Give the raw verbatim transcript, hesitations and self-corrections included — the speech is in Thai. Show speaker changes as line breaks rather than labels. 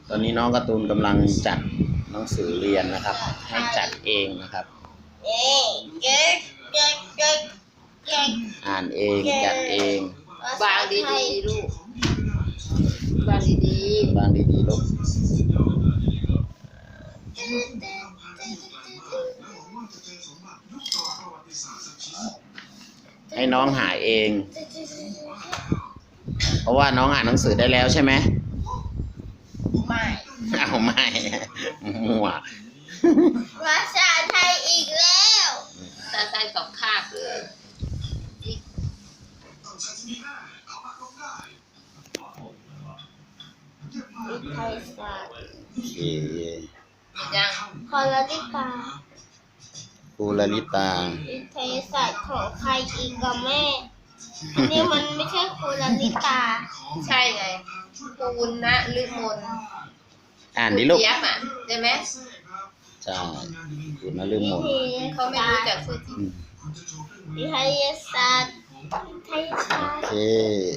ตอนนี้น้องการ์ตูนกำลังจัดหนังสือเรียนนะครับ ให้จัดเองนะครับอ่านเองจัดเอง
วางดีๆลูกวางดี
วางดีๆลูกให้น้องหาเอง เพราะว่าน้องอ่านหนังสือได้แล้วใช่ไหม
ไม่
เอาไม่มั่ว
ภาษาไทยอีกแล้ว
ภาษาไทยสองคาบเลย
วิทยาศาสตร์
โอเค
ยัง
คอลลิตา
ครูลลิตา
วิทยาศาสตร์ของใครอีกกับแม่อันนี้มันไม่ใช่ครูลลิตา
ใช่ไงปูนนะลืมน
อ่านดิลูก
เจี๊ยบอ่ะใช่ไหม
ใช่คุณนฤมล
เขาไม่รู้จักชื่อจริง
วิทยาศาสตร์วิทยาศาสตร์
โอเค